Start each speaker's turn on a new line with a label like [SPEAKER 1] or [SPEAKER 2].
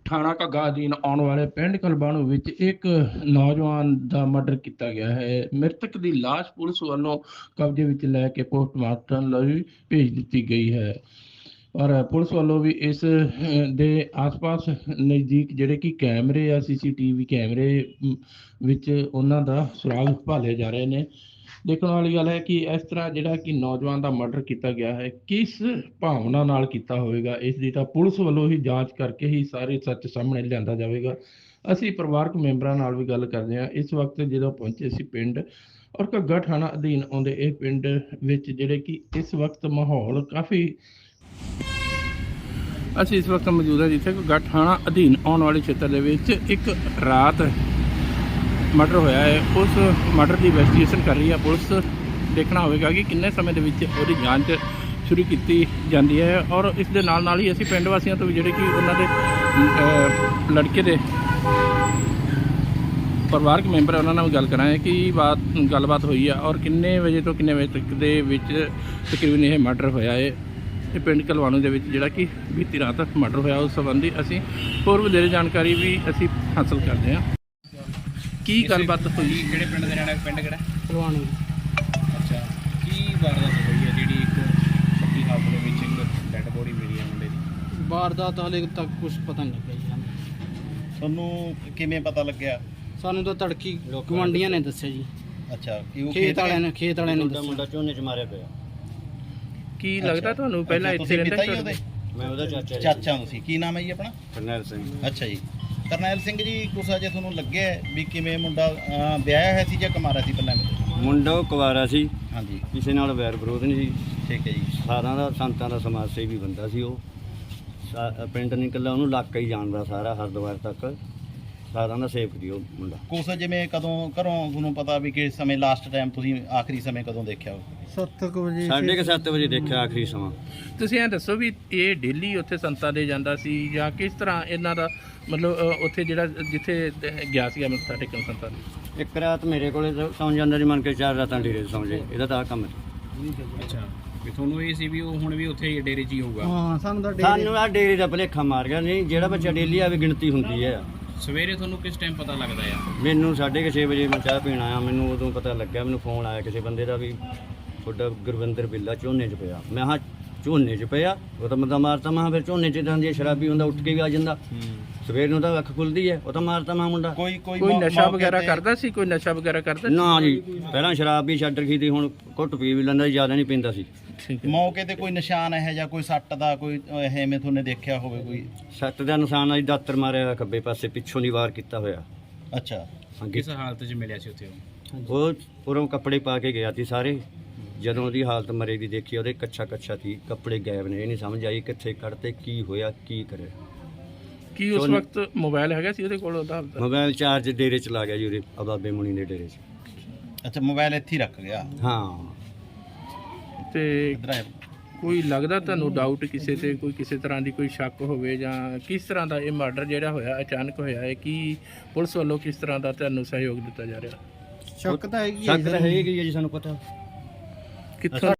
[SPEAKER 1] ਥਾਣਾ ਘੱਗਾ ਅਧੀਨ ਆਉਣ ਵਾਲੇ ਪਿੰਡ ਕਲਬਾਣੂ ਵਿੱਚ ਇੱਕ ਨੌਜਵਾਨ ਦਾ ਮਰਡਰ ਕੀਤਾ ਗਿਆ ਹੈ। ਮ੍ਰਿਤਕ ਦੀ ਲਾਸ਼ ਪੁਲਿਸ ਵੱਲੋਂ ਕਬਜ਼ੇ ਵਿੱਚ ਲੈ ਕੇ ਪੋਸਟਮਾਰਟਮ ਲਈ ਭੇਜ ਦਿੱਤੀ ਗਈ ਹੈ। ਔਰ ਪੁਲਿਸ ਵੱਲੋਂ ਵੀ ਇਸ ਦੇ ਆਸ-ਪਾਸ ਨਜ਼ਦੀਕ ਜਿਹੜੇ ਕਿ ਕੈਮਰੇ ਆ ਸੀਸੀਟੀਵੀ ਕੈਮਰੇ ਵਿੱਚ ਉਹਨਾਂ ਦਾ ਸੁਰਾਗ ਭਾਲੇ ਜਾ ਰਹੇ ਨੇ। ਦੇਖਣ ਵਾਲੀ ਗੱਲ ਹੈ ਕਿ ਇਸ ਤਰ੍ਹਾਂ ਜਿਹੜਾ ਕਿ ਨੌਜਵਾਨ ਦਾ ਮਰਡਰ ਕੀਤਾ ਗਿਆ ਹੈ, ਕਿਸ ਭਾਵਨਾ ਨਾਲ ਕੀਤਾ ਹੋਵੇਗਾ, ਇਸ ਦੀ ਤਾਂ ਪੁਲਿਸ ਵੱਲੋਂ ਹੀ ਜਾਂਚ ਕਰਕੇ ਹੀ ਸਾਰੇ ਸੱਚ ਸਾਹਮਣੇ ਲਿਆਂਦਾ ਜਾਵੇਗਾ। ਅਸੀਂ ਪਰਿਵਾਰਕ ਮੈਂਬਰਾਂ ਨਾਲ ਵੀ ਗੱਲ ਕਰਦੇ ਹਾਂ। ਇਸ ਵਕਤ ਜਦੋਂ ਪਹੁੰਚੇ ਸੀ ਪਿੰਡ ਔਰ ਘੱਗਾ ਥਾਣਾ ਅਧੀਨ ਆਉਂਦੇ ਇਹ ਪਿੰਡ ਵਿੱਚ ਜਿਹੜੇ ਕਿ ਇਸ ਵਕਤ ਮਾਹੌਲ ਕਾਫੀ ਅਸੀਂ ਇਸ ਵਕਤ ਮੌਜੂਦ ਹਾਂ ਜਿੱਥੇ ਘੱਗਾ ਥਾਣਾ ਅਧੀਨ ਆਉਣ ਵਾਲੇ ਖੇਤਰ ਦੇ ਵਿੱਚ ਇੱਕ ਰਾਤ ਮਰਡਰ ਹੋਇਆ ਹੈ। ਉਸ ਮਰਡਰ ਦੀ ਇਨਵੈਸਟੀਗੇਸ਼ਨ ਕਰ ਰਹੀ ਹੈ ਪੁਲਿਸ। ਦੇਖਣਾ ਹੋਵੇਗਾ ਕਿ ਕਿੰਨੇ ਸਮੇਂ ਦੇ ਵਿੱਚ ਉਹਦੀ ਜਾਂਚ ਸ਼ੁਰੂ ਕੀਤੀ ਜਾਂਦੀ ਹੈ। ਔਰ ਇਸ ਦੇ ਨਾਲ ਨਾਲ ਹੀ ਅਸੀਂ ਪਿੰਡ ਵਾਸੀਆਂ ਤੋਂ ਵੀ ਜਿਹੜੇ ਕਿ ਉਹਨਾਂ ਦੇ ਲੜਕੇ ਦੇ ਪਰਿਵਾਰਕ ਮੈਂਬਰ ਉਹਨਾਂ ਨਾਲ ਗੱਲ ਕਰਾਂਗੇ ਕਿ ਗੱਲਬਾਤ ਹੋਈ ਆ ਔਰ ਕਿੰਨੇ ਵਜੇ ਤੋਂ ਕਿੰਨੇ ਵਜੇ ਤੱਕ ਦੇ ਵਿੱਚ ਤਕਰੀਬਨ ਇਹ ਮਰਡਰ ਹੋਇਆ ਹੈ। ਇਹ ਪਿੰਡ ਕਲਵਾਣੂ ਦੇ ਵਿੱਚ ਜਿਹੜਾ ਕਿ ਬੀਤੀ ਰਾਤ ਮਰਡਰ ਹੋਇਆ ਉਸ ਸੰਬੰਧੀ ਅਸੀਂ ਹੋਰ ਵਧੇਰੇ ਜਾਣਕਾਰੀ ਵੀ ਅਸੀਂ ਹਾਸਲ ਕਰਦੇ ਹਾਂ। ਕੀ ਗੱਲਬਾਤ ਹੋਈ?
[SPEAKER 2] ਕਿਹੜੇ ਪਿੰਡ ਦੇ ਰਹਿਣਾ? ਪਿੰਡ ਕਿਹੜਾ?
[SPEAKER 3] ਕਲਵਾਣੂ।
[SPEAKER 2] ਅੱਛਾ, ਕੀ ਵਾਰਦਾਤ ਹੋਈ ਹੈ ਜਿਹੜੀ ਇੱਕ ਪੱਕੀ ਹਾਲਤ ਦੇ ਵਿੱਚ ਇੱਕ ਡੈੱਡ ਬੋਡੀ ਮਿਲੀ ਹੈ ਮੁੰਡੇ ਦੀ?
[SPEAKER 3] ਵਾਰਦਾਤ ਹਾਲੇ ਤੱਕ ਕੁਝ ਪਤਾ ਨਹੀਂ ਲੱਗਿਆ ਜੀ ਸਾਨੂੰ।
[SPEAKER 4] ਤੁਹਾਨੂੰ ਕਿਵੇਂ ਪਤਾ ਲੱਗਿਆ?
[SPEAKER 3] ਸਾਨੂੰ ਤਾਂ ਤੜਕੀ ਗਵਾਂਡੀਆਂ ਨੇ ਦੱਸਿਆ ਜੀ।
[SPEAKER 4] ਅੱਛਾ, ਕਿ ਉਹ
[SPEAKER 3] ਖੇਤ ਵਾਲਿਆਂ ਨੇ ਦੱਸਿਆ।
[SPEAKER 5] ਮੁੰਡਾ ਝੋਨੇ 'ਚ ਮਾਰਿਆ ਪਿਆ।
[SPEAKER 1] ਕੀ ਲੱਗਦਾ ਤੁਹਾਨੂੰ ਪਹਿਲਾਂ ਇੱਥੇ ਰਹਿੰਦਾ ਸੀ?
[SPEAKER 5] ਮੈਂ ਉਹਦਾ
[SPEAKER 4] ਚਾਚਾ ਤੁਸੀਂ ਕੀ ਨਾਮ ਹੈ ਜੀ ਆਪਣਾ?
[SPEAKER 5] ਕਰਨੈਲ ਸਿੰਘ।
[SPEAKER 4] ਅੱਛਾ ਜੀ, ਕਰਨੈਲ ਸਿੰਘ ਜੀ, ਕੁਛ ਅਜੇ ਤੁਹਾਨੂੰ ਲੱਗਿਆ ਵੀ ਕਿਵੇਂ ਮੁੰਡਾ ਵਿਆਹਿਆ ਹੋਇਆ ਸੀ ਜਾਂ ਕੁਮਾਰਾ ਸੀ ਪਹਿਲਾਂ?
[SPEAKER 5] ਮੁੰਡਾ ਉਹ ਕੁਵਾਰਾ ਸੀ,
[SPEAKER 4] ਹਾਂਜੀ,
[SPEAKER 5] ਕਿਸੇ ਨਾਲ ਵੈਰ ਵਿਰੋਧ ਨਹੀਂ ਸੀ।
[SPEAKER 4] ਠੀਕ ਹੈ ਜੀ।
[SPEAKER 5] ਸਾਰਿਆਂ ਦਾ ਸੰਤਾਂ ਦਾ ਸਮਾਜ ਸੇਵੀ ਬੰਦਾ ਸੀ ਉਹ। ਪਿੰਡ ਨਹੀਂ ਇਕੱਲਾ ਉਹਨੂੰ ਇਲਾਕਾ ਹੀ ਜਾਣਦਾ ਸਾਰਾ, ਹਰਿਦੁਆਰ ਤੱਕ ਸਾਰਿਆਂ ਦਾ ਸੇਵਕ ਸੀ ਉਹ ਮੁੰਡਾ।
[SPEAKER 4] ਕੁਛ ਜਿਵੇਂ ਕਦੋਂ ਘਰੋਂ ਤੁਹਾਨੂੰ ਪਤਾ ਵੀ ਕਿ ਸਮੇਂ ਲਾਸਟ ਟਾਈਮ ਤੁਸੀਂ ਆਖਰੀ ਸਮੇਂ ਕਦੋਂ ਦੇਖਿਆ?
[SPEAKER 3] 7 ਵਜੇ
[SPEAKER 5] 7:30 ਵਜੇ ਦੇਖਿਆ ਆਖਰੀ ਸਮਾਂ।
[SPEAKER 1] ਤੁਸੀਂ ਇਹ ਦੱਸੋ ਵੀ ਇਹ ਡੇਲੀ ਉੱਥੇ ਸੰਤਾਂ ਦੇ ਜਾਂਦਾ ਸੀ ਜਾਂ ਕਿਸ ਤਰ੍ਹਾਂ ਇਹਨਾਂ ਦਾ ਮਤਲਬ ਉੱਥੇ ਜਿਹੜਾ ਜਿੱਥੇ ਗਿਆ ਸੀਗਾ ਮੱਥਾ ਟੇਕਣ ਸੰਤਾਂ ਦੇ?
[SPEAKER 5] ਇੱਕ ਰਾਤ ਮੇਰੇ ਕੋਲੇ ਸੌਂ ਜਾਂਦਾ ਜੀ, ਮੰਨ ਕੇ 4 ਰਾਤਾਂ ਡੇਰੇ 'ਚ ਸੌਂ ਜੇ। ਇਹਦਾ ਤਾਂ ਆਹ ਕੰਮ ਸੀ।
[SPEAKER 2] ਅੱਛਾ, ਵੀ ਤੁਹਾਨੂੰ ਇਹ ਸੀ ਵੀ ਉਹ ਹੁਣ ਵੀ ਉੱਥੇ ਡੇਰੇ 'ਚ ਹੀ ਹੋਊਗਾ?
[SPEAKER 3] ਹਾਂ, ਸਾਨੂੰ ਤਾਂ
[SPEAKER 5] ਸਾਨੂੰ ਆਹ ਡੇਰੇ ਦਾ ਭੁਲੇਖਾ ਮਾਰ ਗਿਆ। ਨਹੀਂ, ਜਿਹੜਾ ਬੱਚਾ ਡੇਲੀ ਆਵੇ ਗਿਣਤੀ ਹੁੰਦੀ ਹੈ।
[SPEAKER 2] ਸਵੇਰੇ ਤੁਹਾਨੂੰ ਕਿਸ ਟਾਈਮ ਪਤਾ ਲੱਗਦਾ ਆ?
[SPEAKER 5] ਮੈਨੂੰ 6:30 ਵਜੇ ਮੈਂ ਚਾਹ ਪੀਣ ਆਇਆ, ਮੈਨੂੰ ਉਦੋਂ ਪਤਾ ਲੱਗਿਆ। ਮੈਨੂੰ ਫੋਨ ਆਇਆ ਕਿਸੇ ਬੰਦੇ ਦਾ ਵੀ ਤੁਹਾਡਾ ਗੁਰਵਿੰਦਰ ਬਿੱਲਾ ਝੋਨੇ 'ਚ ਪਿਆ। ਮੈਂ ਹਾਂ ਝੋਨੇ 'ਚ ਪਿਆ? ਉਹ ਤਾਂ ਬੰਦਾ ਮਾਰਤਾ। ਮੈਂ ਫਿਰ ਝੋਨੇ 'ਚ ਤਾਂ ਹੁੰਦੀ ਸ਼ਰਾਬੀ ਹੁੰਦਾ, ਉੱਠ ਕੇ ਵੀ ਆ ਜਾਂਦਾ। ਸਵੇਰ ਨੂੰ ਤਾਂ ਅੱਖ ਖੁੱਲਦੀ ਹੈ, ਉਹ ਤਾਂ ਮਾਰਤਾ ਮੈਂ ਮੁੰਡਾ।
[SPEAKER 1] ਕੋਈ ਨਸ਼ਾ ਵਗੈਰਾ ਕਰਦਾ ਸੀ? ਕੋਈ ਨਸ਼ਾ ਵਗੈਰਾ ਕਰਦਾ?
[SPEAKER 5] ਨਾ ਜੀ, ਪਹਿਲਾਂ ਸ਼ਰਾਬ ਵੀ ਛੱਡ ਰਖੀ ਤੀ, ਹੁਣ ਘੁੱਟ ਪੀ ਵੀ ਲੈਂਦਾ, ਜ਼ਿਆਦਾ ਨਹੀਂ ਪੀਂਦਾ ਸੀ।
[SPEAKER 1] ਠੀਕ ਹੈ।
[SPEAKER 4] ਮੌਕੇ ਤੇ ਕੋਈ ਨਿਸ਼ਾਨ ਹੈ ਜਾਂ ਕੋਈ ਸੱਟ ਦਾ ਕੋਈ ਐਵੇਂ ਤੁਹਾਨੂੰ ਦੇਖਿਆ ਹੋਵੇ? ਕੋਈ
[SPEAKER 5] ਸੱਟ ਦਾ ਨਿਸ਼ਾਨ ਆ ਜੀ, ਦਾਤਰ ਮਾਰਿਆ ਹੋਇਆ ਖੱਬੇ ਪਾਸੇ, ਪਿੱਛੋਂ ਦੀ ਵਾਰ ਕੀਤਾ ਹੋਇਆ।
[SPEAKER 4] ਅੱਛਾ,
[SPEAKER 2] ਕਿਸ ਹਾਲਤ 'ਚ ਮਿਲਿਆ ਸੀ ਉੱਥੇ ਉਹ?
[SPEAKER 5] ਉਹ ਉਰੋਂ ਕੱਪੜੇ ਪਾ ਕੇ ਗਿਆ ਸੀ ਸਾਰੇ। ਜਦੋਂ ਉਹਦੀ ਹਾਲਤ ਮਰੇ ਦੀ ਦੇਖੀ, ਉਹਦੇ ਕੱਛਾ ਸੀ, ਕੱਪੜੇ ਗਾਇਬ ਨੇ। ਇਹ ਨਹੀਂ ਸਮਝ ਆਈ ਕਿੱਥੇ ਕੱਢਤੇ, ਕੀ ਹੋਇਆ, ਕੀ ਕਰਿਆ।
[SPEAKER 1] ਕੀ ਉਸ ਵਕਤ ਮੋਬਾਈਲ ਹੈਗਾ ਸੀ ਉਹਦੇ ਕੋਲ? ਉਹਦਾ
[SPEAKER 5] ਮੋਬਾਈਲ ਚਾਰਜ ਡੇਰੇ 'ਚ ਲਾ ਗਿਆ ਜੀ, ਉਹਦੇ ਬਾਬੇ ਮੁਨੀ ਦੇ ਡੇਰੇ 'ਚ।
[SPEAKER 4] ਅੱਛਾ, ਮੋਬਾਈਲ ਇੱਥੇ ਹੀ ਰੱਖ ਗਿਆ?
[SPEAKER 5] ਹਾਂ।
[SPEAKER 1] ਤੇ
[SPEAKER 4] ਇੱਧਰ ਆਏ।
[SPEAKER 1] ਕੋਈ ਲੱਗਦਾ ਤੁਹਾਨੂੰ ਡਾਊਟ ਕਿਸੇ ਤੇ, ਕੋਈ ਕਿਸੇ ਤਰ੍ਹਾਂ ਦੀ ਕੋਈ ਸ਼ੱਕ ਹੋਵੇ ਜਾਂ ਕਿਸ ਤਰ੍ਹਾਂ ਦਾ ਇਹ ਮਰਡਰ ਜਿਹੜਾ ਹੋਇਆ ਅਚਾਨਕ ਹੋਇਆ ਹੈ? ਕੀ ਪੁਲਿਸ ਵੱਲੋਂ ਕਿਸ ਤਰ੍ਹਾਂ ਦਾ ਤੁਹਾਨੂੰ ਸਹਿਯੋਗ ਦਿੱਤਾ ਜਾ ਰਿਹਾ?
[SPEAKER 3] ਸ਼ੱਕ ਤਾਂ ਹੈਗੀ
[SPEAKER 5] ਸ਼ੱਕ ਤਾਂ ਹੈਗੀ ਹੈ ਜੀ, ਸਾਨੂੰ ਪਤਾ।
[SPEAKER 1] ਕਿੱਥੋਂ